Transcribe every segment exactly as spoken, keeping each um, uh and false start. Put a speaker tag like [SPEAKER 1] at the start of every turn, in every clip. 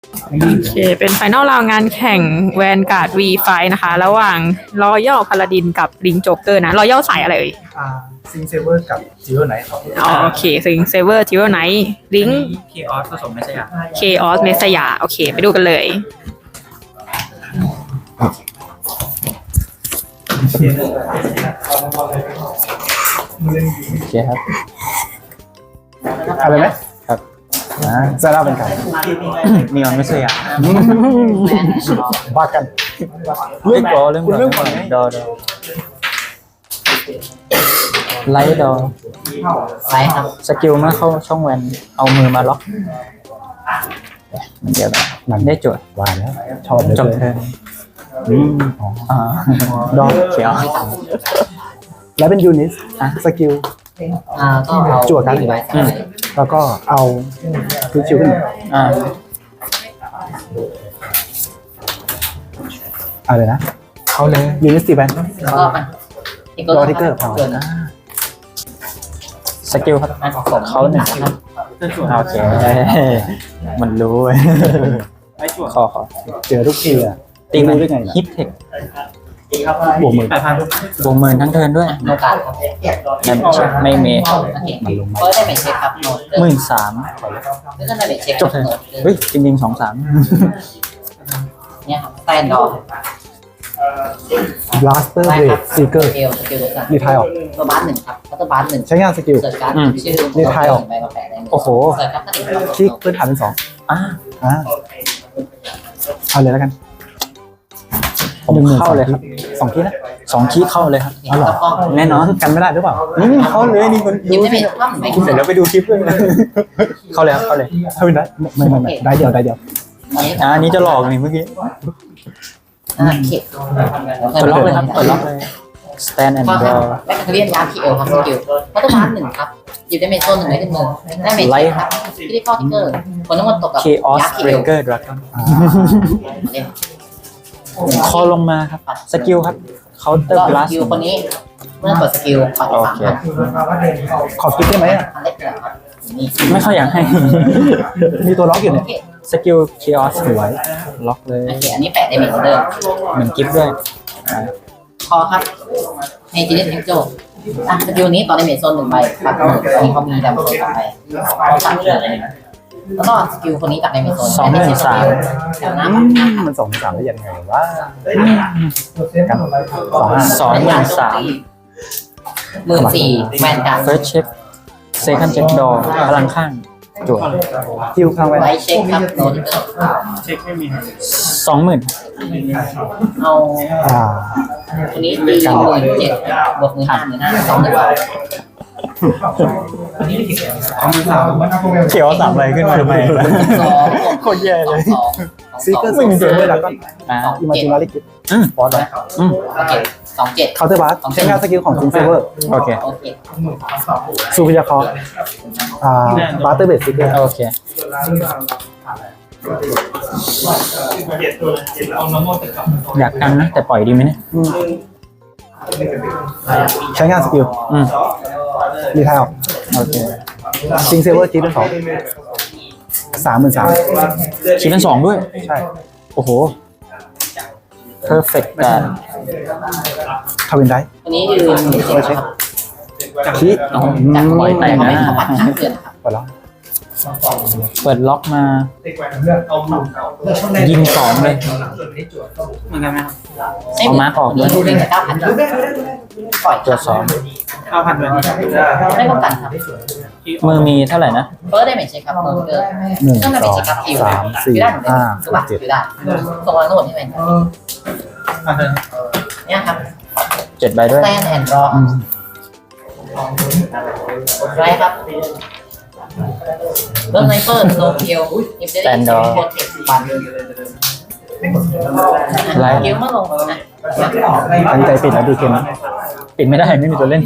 [SPEAKER 1] โอเคเป็นไฟนอลราวงานแข่งแวนการ์ด วี ไฟ นะคะ ระหว่างรอยัลพาลาดินกับลิงโจ๊กเกอร์นะรอยัลสายอะไรเอ่ย
[SPEAKER 2] อ่าซิงเซเวอร์กับจิโร่ไนท์ครับ
[SPEAKER 1] อ๋อโอเคซิงเซเวอร์จิโรไนท์ลิง
[SPEAKER 3] เคออสผสมไม่ใช่อ่ะ
[SPEAKER 1] เคออสเมสยาโอเค ไปดูกันเลย
[SPEAKER 4] โอเคครับ
[SPEAKER 2] อะไรไหม
[SPEAKER 4] ครับ
[SPEAKER 2] อ่าจะเล่าเป็นไง
[SPEAKER 4] นีออนไม่ใช่อ่ะ
[SPEAKER 2] บ้ากัน
[SPEAKER 4] เรื่องก่อนเรื่องก่อน
[SPEAKER 2] เรื่องก่อนไง
[SPEAKER 4] ดอดอไลท์ดอ
[SPEAKER 5] ไลท์ครับ
[SPEAKER 4] สกิลเมื่อเข้าช่องแวนเอามือมาล็อกมันเดียวกันมันได้โจทย์
[SPEAKER 2] ว่าแล้วชอบเลย
[SPEAKER 4] จบเทิร์น
[SPEAKER 2] อืมอ๋อ
[SPEAKER 4] อ่า
[SPEAKER 2] ดอก
[SPEAKER 4] เขียว
[SPEAKER 2] แล้วเป็นยูนิสสกิล
[SPEAKER 5] อ่าก็เอา
[SPEAKER 2] จั่วกัน
[SPEAKER 5] ไว้
[SPEAKER 4] อืม
[SPEAKER 2] แล้วก็เอาพิชิวขึ้น
[SPEAKER 4] อ่า
[SPEAKER 2] อะไรนะ
[SPEAKER 4] เขาเลย
[SPEAKER 2] ยูนิสตีแบน
[SPEAKER 5] แล้วก็มันทิกเกอร์
[SPEAKER 2] รอทิกเกอร์
[SPEAKER 5] เกินนะ
[SPEAKER 4] สกิลครับ
[SPEAKER 5] มันของผม
[SPEAKER 4] เขาหนึ่ง
[SPEAKER 5] ครับ
[SPEAKER 4] โอเคมันรู้เว้ยขอขอ
[SPEAKER 2] เจอทุกทีอ่ะ
[SPEAKER 4] ตีมัน
[SPEAKER 2] รู้ได้ไงล่ะ
[SPEAKER 4] ฮิตเทค
[SPEAKER 2] บวกมือ
[SPEAKER 3] แปดพัน
[SPEAKER 4] บวกหมื่นทั้งเทิร์นด้วย
[SPEAKER 5] โนกาสครับ
[SPEAKER 4] ไม่ไม่เมท
[SPEAKER 5] โอเคเฟิร์สได้เป็นเช็คครับโนต
[SPEAKER 4] หมื่นสาม
[SPEAKER 5] แล้วก็ได้เป็นเช็ค
[SPEAKER 4] จบเทิร์นเฮ้ยจริงๆสองสาม
[SPEAKER 5] เนี่ยครับแตนดอก
[SPEAKER 2] บลัสเตอร์
[SPEAKER 5] ได้
[SPEAKER 2] เบร
[SPEAKER 5] ครั
[SPEAKER 2] ดซีเกอร์
[SPEAKER 5] สกิลสกิลเดียวกัน
[SPEAKER 2] รีไทยออก
[SPEAKER 5] ตัวบาสหนึ่งครับแล้วตัวบาสหนึ่ง
[SPEAKER 2] ใช้งานสกิล
[SPEAKER 5] เสิร์ชการ์ดชื่อ
[SPEAKER 2] รีไทยออก
[SPEAKER 5] ใบมาแปะในมือ
[SPEAKER 4] โอ้โห
[SPEAKER 5] เสิร์ชการ์ดก็ติด
[SPEAKER 2] คลิกพื้นฐานเป็นสอง
[SPEAKER 4] อ่ะ
[SPEAKER 2] อ่าเอาเลยแล้วกัน
[SPEAKER 4] ผม
[SPEAKER 2] หนึ่งหมื่น
[SPEAKER 4] เข้าเลยครับ
[SPEAKER 2] สองทีนะ
[SPEAKER 4] สองคีย์เข้าเลยครับ
[SPEAKER 2] อ๋อเหรอ
[SPEAKER 5] แล้วก็
[SPEAKER 4] แน่นอน
[SPEAKER 2] กันไม่ได้หรือเปล่า
[SPEAKER 4] อืมเข้าเลยนี่คน
[SPEAKER 5] ยิ้ม
[SPEAKER 4] รู้
[SPEAKER 5] ได้ไหม
[SPEAKER 4] ที่
[SPEAKER 5] ครับไม่
[SPEAKER 4] เสร็จแล้วไปดูคลิปด้วยเข้าเลยครับเข้าเลย
[SPEAKER 2] ถ้าเป็นได้ไม่ไม่ไม่ได้เดียวได้เดียว
[SPEAKER 5] อันนี้
[SPEAKER 4] อ่าอันนี้จะหลอกนี่เมื่อกี้
[SPEAKER 5] อ่าเข็ด
[SPEAKER 4] เปิดล็อกเลยครับเปิดล็อกเลย stand and
[SPEAKER 5] ข้อห้า
[SPEAKER 4] draw
[SPEAKER 5] แมคคาเรียนยาพีเอลครับสกิลพัตเตอร์บาร์หนึ่งครับหยิบได้เมจโซนหนึ่งไว้ขึ้นมือได้เมจ
[SPEAKER 4] ไลท์
[SPEAKER 5] ครับที่ได้ข้อทิกเกอร์คนทั้งหมดตกกับ
[SPEAKER 4] chaos
[SPEAKER 5] ยาพีเอล
[SPEAKER 4] breaker dragon
[SPEAKER 2] อ่า
[SPEAKER 4] คอลงมาครับสกิลครับ counter
[SPEAKER 5] ก็ส
[SPEAKER 4] blast
[SPEAKER 5] กิลคนนี้เมื่อกดสกิลปัด
[SPEAKER 4] โอ
[SPEAKER 5] สาม
[SPEAKER 4] เค
[SPEAKER 5] ครับ
[SPEAKER 2] ขอคิดได้ไหมอ่ะ
[SPEAKER 5] อันเล็กเลยครับนี่
[SPEAKER 4] ไม่ค่อยอยากให้
[SPEAKER 2] มีตัวล็อกอยู่
[SPEAKER 5] โอ
[SPEAKER 2] เนี่ย
[SPEAKER 5] เค
[SPEAKER 4] สกิล chaos
[SPEAKER 2] สวย
[SPEAKER 4] ล็อกเลย
[SPEAKER 5] โอเคอันนี้แปะได้เมจเดิม
[SPEAKER 4] เหมือนกิฟต์ด้วยอ่า
[SPEAKER 5] คอครับเอจิเนสเอ็กโจอ่ะสกิลนี้ตอนได้เมจโซนหนึ่งใบปัดหนึ่งอันนี้เขามีดำโซนสองใบเขาตัดเลยแล้วก็สกิลคนนี้ตัดในเมจโซน
[SPEAKER 4] สองหมื่นสาม
[SPEAKER 5] แถวน้
[SPEAKER 2] อืมมันสองสามได้ยังไงวะกันสองห้า
[SPEAKER 4] สองหมื่นสาม
[SPEAKER 5] หมื่นสี่แวนการ์ด
[SPEAKER 4] first check second check door พลังข้างจวด
[SPEAKER 2] คิวข้างไว้
[SPEAKER 5] ไลท์เช็คครับโนติเกอร์
[SPEAKER 3] เช็คไม่มี
[SPEAKER 4] สองหมื่น
[SPEAKER 5] เอา
[SPEAKER 2] อ่า
[SPEAKER 5] คนนี้ตีหมื่นเจ็ดบวกหมื่นห้าหมื่นห้าสองหมื่นบาท
[SPEAKER 4] เขียวสามใบขึ้นมาทำไม
[SPEAKER 5] สอง
[SPEAKER 4] โคตรแย่เลย
[SPEAKER 5] สอง
[SPEAKER 2] ซีเกอร์ซิงเซอร์แล้วก็
[SPEAKER 4] อ่า
[SPEAKER 2] อิมาจินาริกิ
[SPEAKER 4] อืม
[SPEAKER 2] ฟอร์ด
[SPEAKER 4] อืม
[SPEAKER 5] โอเคสองเจ็ด
[SPEAKER 2] เคาน์เตอร์บาร์ใช้งานสกิลของซิงเซเวอร์
[SPEAKER 4] โอเค
[SPEAKER 5] โอเค
[SPEAKER 2] ซูพิยาคออ่าบาร์เตอร์เบสซิเกอร์
[SPEAKER 4] โอเค อยากกันนะ แต่ปล่อยดีไหมเนี่ย
[SPEAKER 2] ใช้งานสกิล
[SPEAKER 4] อืม
[SPEAKER 2] รีไทยออก
[SPEAKER 4] โอเค
[SPEAKER 2] ซิงเซเวอร์จีเป็นสองสามหมื่นสาม
[SPEAKER 4] คิดเป็นสองด้วย
[SPEAKER 2] ใช่
[SPEAKER 4] โอ้โห perfect แต่
[SPEAKER 2] ทวินได้
[SPEAKER 5] คนนี้ยืนหมื่นเจ็ดครับ
[SPEAKER 2] ชี้
[SPEAKER 5] จากคนนี้ไปเขาไม่เขาบัตรห้าเดือนครับ
[SPEAKER 2] ไปแล้ว
[SPEAKER 4] เปิดล็อกมา ยิงสองเลย
[SPEAKER 3] เหมือนกันไหมครับ
[SPEAKER 4] เอามาร์คออกด้วย
[SPEAKER 5] ดูเล่นกับเก้าพันปล่อย
[SPEAKER 4] ตัวสอง
[SPEAKER 3] เก้าพันเลย
[SPEAKER 5] ไม่ป้องกันครับ
[SPEAKER 4] มือมีเท่าไหร่นะ
[SPEAKER 5] เฟิร์สได้เมจเช็คครับโนติเกอร์
[SPEAKER 2] หนึ่ง
[SPEAKER 5] เครื่องได้
[SPEAKER 2] ส
[SPEAKER 5] เมจ
[SPEAKER 2] อง
[SPEAKER 5] เช็คครับคิว
[SPEAKER 2] สามสี่
[SPEAKER 5] ได้หมดเลย
[SPEAKER 2] ห้า
[SPEAKER 5] คือบัตร
[SPEAKER 2] เจ็ด
[SPEAKER 5] คิวได้ส่งมาโน้ตที่เป็น
[SPEAKER 3] อ่ะเธอ
[SPEAKER 5] เนี่ยครับ
[SPEAKER 4] เจ็ดใบด้วย
[SPEAKER 5] แตนแอนด์รอไรครับเริ่มไนเปอร์โนเกียวอิมเดอร์โคเทคบัน
[SPEAKER 4] ไลท์
[SPEAKER 5] เกียวเมื่อลงนะ
[SPEAKER 2] ตั้งใจปิดแล้วดูเกมนะ
[SPEAKER 4] ปิดไม่ได้ไม่มีตัวเล่น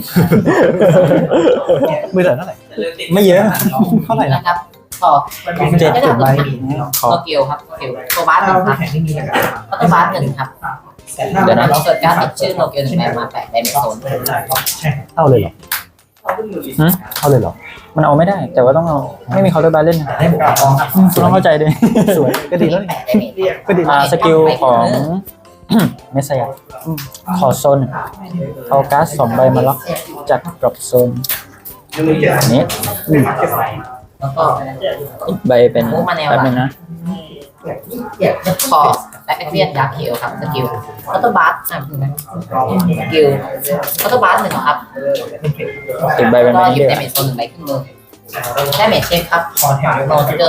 [SPEAKER 2] มือเถิดเท่าไหร่
[SPEAKER 4] ไม่เยอะ
[SPEAKER 2] เท่าไหร่นะ
[SPEAKER 5] นะครับต่อ
[SPEAKER 4] เจ็ด
[SPEAKER 5] ไม่ได้
[SPEAKER 2] เจ็ดใบ
[SPEAKER 4] ขอ
[SPEAKER 5] โนเกียวครับโนเกียวตัวบาสหนึ่งครับตัวบาสหนึ่งครับ
[SPEAKER 4] เดี๋ยวนะ
[SPEAKER 5] เราเกิดการติดชื่อโนเกียวหนึ่งใบมาแปะในเมโซน
[SPEAKER 2] เท่าเลยเหรอ
[SPEAKER 4] หืม
[SPEAKER 2] เข้าเลยเหรอ
[SPEAKER 4] มันเอาไม่ได้ แต่ว่าต้องเอาไม่มีเคาน์เตอร์บาร์เล่นนะคุณต้องเข้าใจด้วย
[SPEAKER 2] สวยก็ดีแล้วนี่ ก็ดี
[SPEAKER 4] อ่าสกิลของ เมสไซยะขอโซนเอาการ์ดสองใบมาล็อกจากดรอปโซนนี้
[SPEAKER 5] แล้วก็
[SPEAKER 4] อีกใบเป็นแป๊บนึงนะ
[SPEAKER 5] คอและแอคเรียนดาร์เคียวครับสกิลคัตเตอร์บาร์อ่ะสกิลคัตเตอร์บาร์หนึ่งครับ
[SPEAKER 4] อีกใบเป็น
[SPEAKER 5] ก็
[SPEAKER 4] แมน
[SPEAKER 5] หยิบ
[SPEAKER 4] เดีย
[SPEAKER 5] ดาเมจโซนหนึ่งใบขึ้นมือได้เมจเช็คครับโนทิเกอร์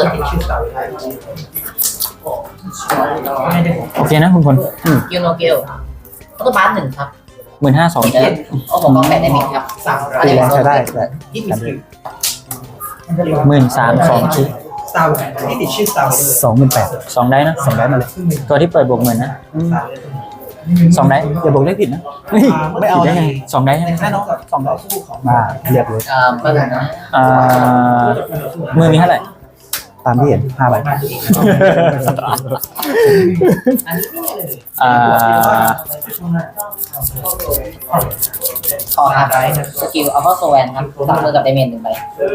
[SPEAKER 4] โอเคนะคุณพล
[SPEAKER 5] ยูโนเกลคัตเตอร์บาร์หนึ่งครับ
[SPEAKER 4] หมื่นห้าสอง
[SPEAKER 5] เดินโอ้โหก็แปดดาเมจครับอัน
[SPEAKER 2] ตี
[SPEAKER 5] นี้
[SPEAKER 2] แร
[SPEAKER 5] เป็นโซน
[SPEAKER 2] งใช้ได้
[SPEAKER 5] ห
[SPEAKER 2] แต่
[SPEAKER 4] หมื่นสามสองคิ
[SPEAKER 2] สองหมื่นแปด
[SPEAKER 4] สองได้นะ
[SPEAKER 2] สองได้มาเลย
[SPEAKER 4] ตัวที่เปิดบวกหมื่นนะสองได้
[SPEAKER 2] อย่าบอกเลขผิดนะไม่เอา
[SPEAKER 4] ได้
[SPEAKER 2] ได้
[SPEAKER 4] ไง
[SPEAKER 2] ไง
[SPEAKER 4] สองได้ใช่ไหม
[SPEAKER 2] สองได้มาเรียบเลย
[SPEAKER 5] เอ่อเปิดนะ
[SPEAKER 4] อ่ามือมีเท่าไหร่
[SPEAKER 2] ตามที่เห็นห้าใบ
[SPEAKER 4] อ่า
[SPEAKER 5] คอครับสกิลอัลฟาโซแวนครับตัดมือกับดาเมจหนึ่งใบ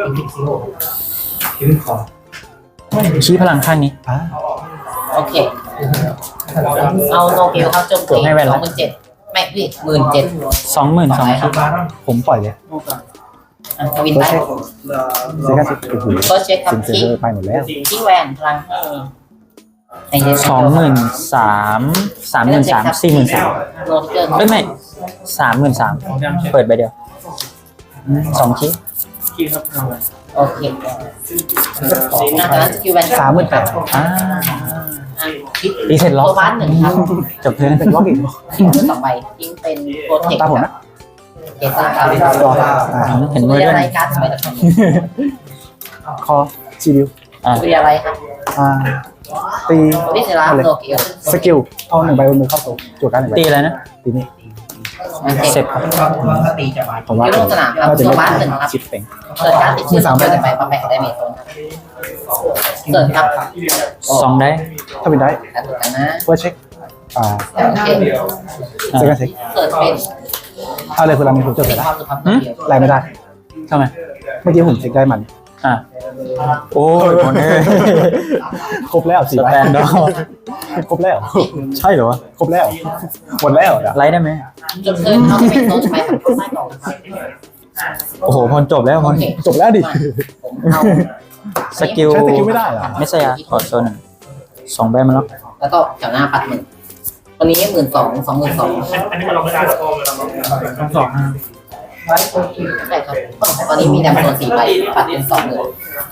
[SPEAKER 4] ชี้พลังข้างนี้
[SPEAKER 2] อ่า
[SPEAKER 5] โอเคเอาโนเกลครับโจมตี
[SPEAKER 4] ให้แว่น
[SPEAKER 5] ส
[SPEAKER 4] ละ
[SPEAKER 5] องหมื่นเจ็ดไม่พี่หมื่นเจ็ด
[SPEAKER 4] สองหมื่นสองคิ
[SPEAKER 2] ผมปล่อยเลย
[SPEAKER 5] อ่ะทวิน
[SPEAKER 2] ตัว
[SPEAKER 5] ได้
[SPEAKER 2] เช็คเซคันสิบโอ้โห
[SPEAKER 5] ก็เช็คครับ
[SPEAKER 2] ซิงเซอ
[SPEAKER 5] ที่
[SPEAKER 2] ร์ไปหมดแล้ว
[SPEAKER 5] ที่แวนพลังให้ในเด
[SPEAKER 4] สองหมื่นสามสามหมื่นสามสี่หมื่นสาม
[SPEAKER 5] โนเกอร์
[SPEAKER 4] เอ้ยไม่สามหมื่นสามเปิดใบเดียวสองคิ
[SPEAKER 3] คีครับทำไม
[SPEAKER 5] โอเคอ่ะตอนนั้นสกิลแวน
[SPEAKER 2] สามหมื่นแปด
[SPEAKER 4] อ่า
[SPEAKER 5] อ่ะคิด
[SPEAKER 4] รีเซ็ตล็อก
[SPEAKER 5] ตัวบ้านหนึ่งครับ
[SPEAKER 4] จบเทิร์น
[SPEAKER 2] เป็นล็อกอีก
[SPEAKER 5] สองใบทิ้งเป็นโปรเทค
[SPEAKER 2] ตาผมนะ
[SPEAKER 5] เกตครับ
[SPEAKER 2] รออ่า
[SPEAKER 4] เห็นมือ
[SPEAKER 5] เรีย
[SPEAKER 4] ด้วย
[SPEAKER 5] อะไรการ์ดสมัยตะกอน
[SPEAKER 2] คอชีวิว
[SPEAKER 4] อ่า
[SPEAKER 5] เรียอะไรครับ
[SPEAKER 2] อ่าตี
[SPEAKER 5] โอริจินาลโนเกล
[SPEAKER 2] สกิลเอาหนึ่งใบบนมือเข้าตัวจุดการหนึ่งใบ
[SPEAKER 4] ตีอะไรนะ
[SPEAKER 2] ตีนี้
[SPEAKER 4] เสร็จครับ
[SPEAKER 2] ผมว่า
[SPEAKER 5] ยูโรสนามครับ
[SPEAKER 2] น่าจะ
[SPEAKER 5] ตัว
[SPEAKER 2] เล่น
[SPEAKER 5] บ้านหนึ่งครับ
[SPEAKER 2] ชิปเป่ง
[SPEAKER 5] เปิดการ์ดติดชื่อสามใบไปประแปะได้เมจโซนครับเกิดครับ
[SPEAKER 4] สองได้
[SPEAKER 2] ถ้าเป็นได้
[SPEAKER 5] แต่ถูกกันนะ
[SPEAKER 2] เพื่อเช็คอ่า
[SPEAKER 5] โอเค
[SPEAKER 2] เซคันเช็ค
[SPEAKER 5] เกิดเป็น
[SPEAKER 2] เอาเลยคุณรามีผมจด
[SPEAKER 5] เป็
[SPEAKER 2] ไป
[SPEAKER 5] น
[SPEAKER 2] แล้ว
[SPEAKER 5] ความสุภาพเดียว
[SPEAKER 2] ไล่ไม่ได้
[SPEAKER 4] ทำไม
[SPEAKER 2] เมื่อกี้ผมเช็คได้มัน
[SPEAKER 4] อ่าโอ้ยคนนี้
[SPEAKER 2] ครบแล้วสี่
[SPEAKER 4] ส
[SPEAKER 2] ใบ
[SPEAKER 4] แตนดอร์
[SPEAKER 2] ครบแล้ว
[SPEAKER 4] ใช่เหรอวะ
[SPEAKER 2] ครบแล้วหมดแล้วอ่ะ
[SPEAKER 4] ไลท์ได้ไหม
[SPEAKER 5] จุดเกิดเขาจะเป็นโซนใช้ทางใต้กล่องครับ
[SPEAKER 4] โอ้โหพลจบแล้วพ
[SPEAKER 5] โอ
[SPEAKER 4] ล
[SPEAKER 5] เค
[SPEAKER 2] จบแล้วดิ
[SPEAKER 5] ผมเอา
[SPEAKER 4] สกิล
[SPEAKER 2] ใช้สกิลไม่ได้เหรอ
[SPEAKER 4] ไม่ใช่ยะขอโซนหนึ่งสองใบมาแล้ว
[SPEAKER 5] แล้วก็แถวหน้าปัดหนึ่งวันนี้หมื่นสองสองหมื่นสอง
[SPEAKER 3] อันนี้มันลงไม่ได้หรอกทั้งสองนะ
[SPEAKER 5] ใช่ครับตอนนี้มีแดมโซนสี่ใบปัดเป็นสองหมื่น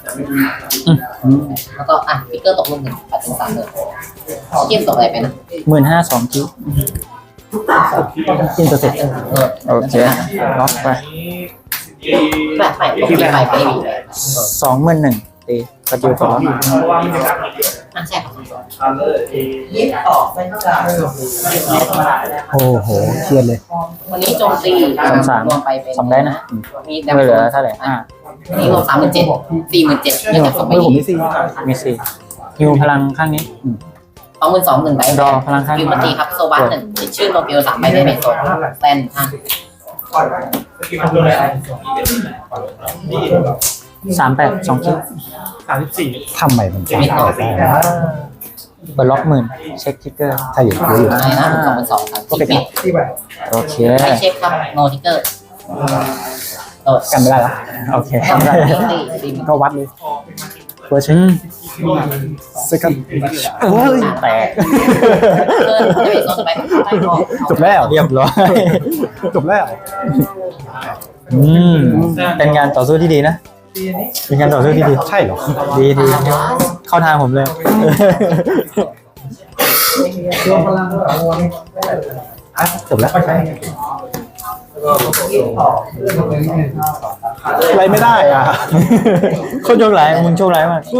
[SPEAKER 5] แล้วก็อ่ะฟิกเกอร์ตกลงหนึ่งปัดเป็นสามหมื่นเทียมตกอะไรไปนะ
[SPEAKER 4] หมื่นห้าสองคิ
[SPEAKER 2] อินเตอร์เซ็ต
[SPEAKER 5] เออ
[SPEAKER 4] โอเคล็อกไป
[SPEAKER 5] แบบใหม่ตกสี่ใบไม่มีเลย
[SPEAKER 4] สองหมื่นหนึ่งตีสกิลตัวล็อก
[SPEAKER 5] อ่ะใช่ครับ
[SPEAKER 2] โอ้โหเครียดเลย
[SPEAKER 5] วันนี้โจมตีรวมไปเป็น
[SPEAKER 4] สองได้นะ
[SPEAKER 5] มีแดม
[SPEAKER 4] ไม่
[SPEAKER 5] โซ
[SPEAKER 4] เหลือน เท่าไหร่อ่า
[SPEAKER 5] นี่รวมสามหมื่นเจ็ดสี่หมื่นเจ็ดเนื่องจากสองใบ
[SPEAKER 2] มือผมมีสี่
[SPEAKER 4] มีสี่ฮิวพลังข้างนี้
[SPEAKER 5] สองหมื่นสองหนึ่งใบ
[SPEAKER 4] รอพลังข้าง
[SPEAKER 5] คิวมาตีครับโซบัสหนึ่งติดชื่อโนเกียวสามใบได้เมจโซนแตนห้า
[SPEAKER 4] สามแปดสองคิ
[SPEAKER 3] สามสิบสี่
[SPEAKER 2] ทำไมมันจะไม่ได้วะ
[SPEAKER 4] เปิดล็อกหมื่นเช็คทิกเกอร์
[SPEAKER 2] ถ้าอยู่เยอะอยู่
[SPEAKER 5] อะไรนะสองหมื่นสองครับ
[SPEAKER 2] ก็
[SPEAKER 5] ที่
[SPEAKER 2] เป็น
[SPEAKER 5] ปิด
[SPEAKER 4] โอเค
[SPEAKER 5] ไม่เช็คครับโนทิกเกอร์โดด
[SPEAKER 2] กันไม่ได้ละ
[SPEAKER 4] โอเค
[SPEAKER 5] ทำได้ตีตีมัน
[SPEAKER 2] ก็วัดเลยเพื่อเช็
[SPEAKER 4] อื
[SPEAKER 2] ค
[SPEAKER 4] ม
[SPEAKER 2] เซคันด์เฮ้ย
[SPEAKER 4] แตก
[SPEAKER 5] เกินได้เมจโซนสบายใต้กอง
[SPEAKER 2] จบแล้ว
[SPEAKER 4] เรียบร้อย
[SPEAKER 2] จบแล้ว
[SPEAKER 4] อืมเป็นงานต่อสู้ที่ดีนะเป็นงานต่อสู้ที่ดี
[SPEAKER 2] ใช่เหรอ
[SPEAKER 4] ดีดีเข้าทางผมเลย
[SPEAKER 2] จบแล้วอะไรไม่ได้อ่ะ
[SPEAKER 4] คนโชคร้ายมึงโชคร้ายมาก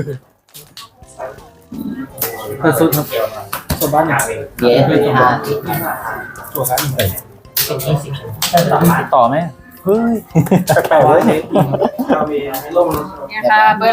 [SPEAKER 3] เปิดสุดครับตัวบ้านอย่าง
[SPEAKER 5] เย้ห้า
[SPEAKER 3] ตัวบ้านอย่าง
[SPEAKER 4] ต่อไหม
[SPEAKER 2] เฮ้ยแปลกๆเลย
[SPEAKER 3] เรามีร่ม
[SPEAKER 1] เนี่ยค่ะเบอร์